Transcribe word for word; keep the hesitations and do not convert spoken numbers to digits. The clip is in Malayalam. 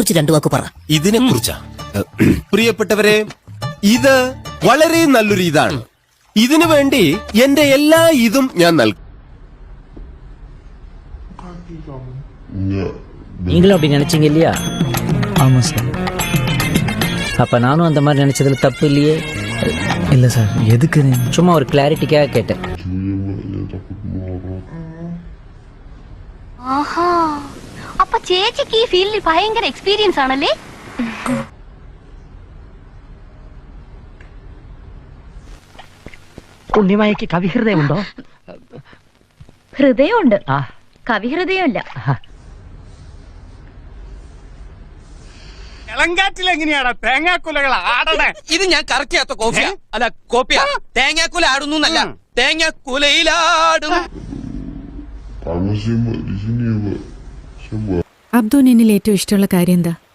കുറിച്ച് രണ്ടു വാക്ക് പറ. ഇതിനെ കുറിച്ചാ പ്രിയപ്പെട്ടവരെ, ഇത് വളരെ നല്ലൊരു ഇതാണ്. ഇതിനു വേണ്ടി എന്റെ എല്ലാ ഇതും ഞാൻ നൽകും. நீங்களும் அப்படி நினைச்சீங்க இல்லையா? ஆமா சார். அப்ப நானும் அந்த மாதிரி நினைச்சதுல தப்பு இல்லையே? இல்ல சார். எதுக்கு? சும்மா ஒரு கிளாரிட்டிக்காக கேட்டேன். ആഹാ, അപ്പൊ ചേച്ചിക്ക് ഈ ഫീൽഡിൽ ഭയങ്കര എക്സ്പീരിയൻസ് ആണല്ലേ? ഉണ്ണിമായക്ക് കവിഹൃദയമുണ്ടോ? ഹൃദയമുണ്ട്, കവിഹൃദയമില്ല. എങ്ങനെയാണ് തേങ്ങാക്കുലകൾ ആടണേ? ഇത് ഞാൻ കറക്റ്റ് ചെയ്യാത്ത കോപ്പിയാ, അല്ല കോപ്പിയാ. തേങ്ങാക്കുല ആടുന്നു എന്നല്ല, തേങ്ങാക്കുലയിലാടും. അബ്ദു, നിന്നിൽ ഏറ്റവും ഇഷ്ടമുള്ള കാര്യം എന്താ?